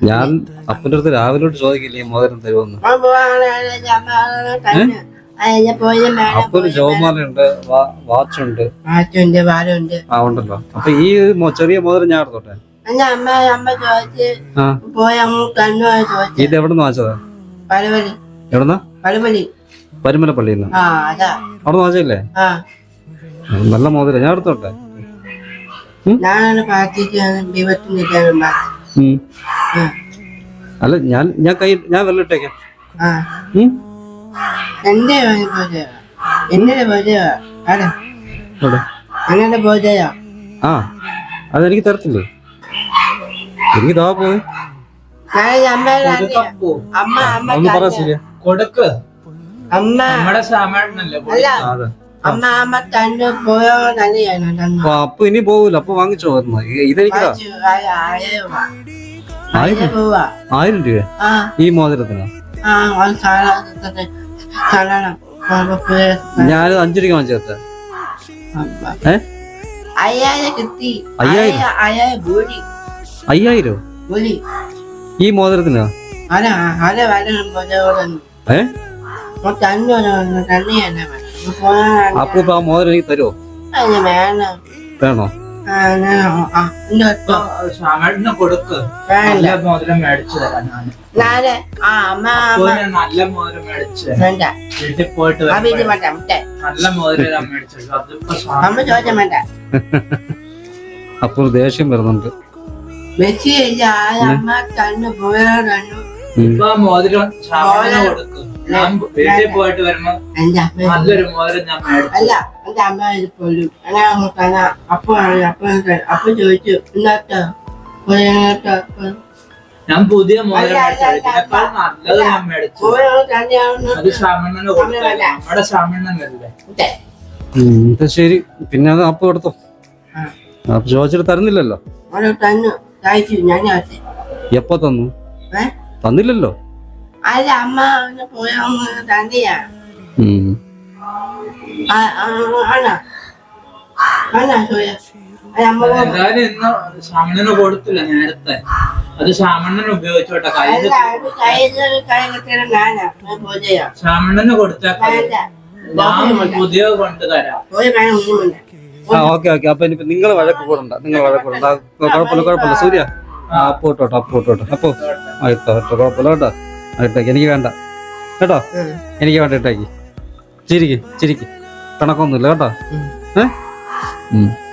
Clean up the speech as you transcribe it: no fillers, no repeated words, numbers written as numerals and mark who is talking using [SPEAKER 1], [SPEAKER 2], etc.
[SPEAKER 1] ഞാൻ അപ്പൻ്റെ അടുത്ത് രാവിലെ ചോദിക്കില്ലേ മോതിരം തരുമെന്ന്. അപ്പൊ ജോമാലുണ്ട്, വാച്ചുണ്ട്, ആ ഉണ്ടല്ലോ. അപ്പൊ ഈ ചെറിയ മോതിരം ഞാൻ എടുത്തോട്ടെ? ഇത് എവിടെന്ന് വാങ്ങിച്ചതാ? എവിടെന്നാ? പരുമലപ്പള്ളിന്ന്. അവിടെ വാങ്ങിച്ചല്ലേ? നല്ല മോതിരം, ഞാൻ എടുത്തോട്ടെ? അല്ല ഞാൻ വെള്ളം ഇട്ടേക്കാം. ആ അതെനിക്ക് തരത്തില്ലേ? എനിക്ക് താ പോയി ഒന്ന് പറ ശരിയാ. അപ്പൊ ഇനി പോവൂല. അപ്പൊ വാങ്ങിച്ചോ? ഇതെനിക്കാ 1000 രൂപ ഈ മോതിരത്തിനാ? ഞാനത് 5 രൂപ വാങ്ങിച്ചേർത്ത. 5000 ഈ മോതിരത്തിനാ? അപ്പൊ ആ മോതിരം എനിക്ക് തരുമോ? വേണോ?
[SPEAKER 2] കൊടുക്ക്. നല്ല മോതിരം മേടിച്ചു തരാം. നല്ല മോതിരം മേടിച്ചു വീട്ടിൽ പോയിട്ട് നല്ല മോതിരം മേടിച്ചു.
[SPEAKER 1] അപ്പൊ ദേഷ്യം വരുന്നുണ്ട്.
[SPEAKER 2] ഇപ്പൊ മോതിരം കൊടുക്കും. വീട്ടിൽ പോയിട്ട് വരുമ്പോ നല്ലൊരു മോതിരം ഞാൻ മേടിച്ചു. ഞാൻ പുതിയ മോതിരം മേടിച്ചതിനേക്കാൾ നല്ലത് ഞാൻ മേടിച്ചു. അത് ശ്രാമണ്ണന് കൊടുക്കാം. നമ്മുടെ ശ്രാമണ്ണനല്ലേ?
[SPEAKER 1] ശരി, പിന്നെ അത് അപ്പൊ എടുത്തോ. അപ്പൊ ചോദിച്ചിട്ട് തരുന്നില്ലല്ലോ? എപ്പോ തന്നു? തന്നില്ലല്ലോ.
[SPEAKER 2] എന്തായാലും ഇന്ന് ശ്രാമണ്ണന് കൊടുത്തില്ല നേരത്തെ. അത് ശ്രാമണ്ണന് ഉപയോഗിച്ചോട്ടെ. ശ്രാമണ്ണന് കൊടുത്തേക്കാം. ഞാൻ പുതിയ കൊണ്ടുതരാം.
[SPEAKER 1] ഓക്കെ. അപ്പൊ ഇനിയിപ്പോ നിങ്ങൾ വഴക്ക് കൂടണ്ട. കുഴപ്പമില്ല സൂര്യ. അപ്പൊ ഇട്ടോട്ടോ. അപ്പൊ കുഴപ്പമില്ല കേട്ടോ. ഇട്ടേക്ക്. എനിക്ക് വേണ്ട കേട്ടോ. എനിക്ക് വേണ്ട. ഇട്ടേക്ക്. ചിരിക്ക്. കണക്കൊന്നുമില്ല കേട്ടോ.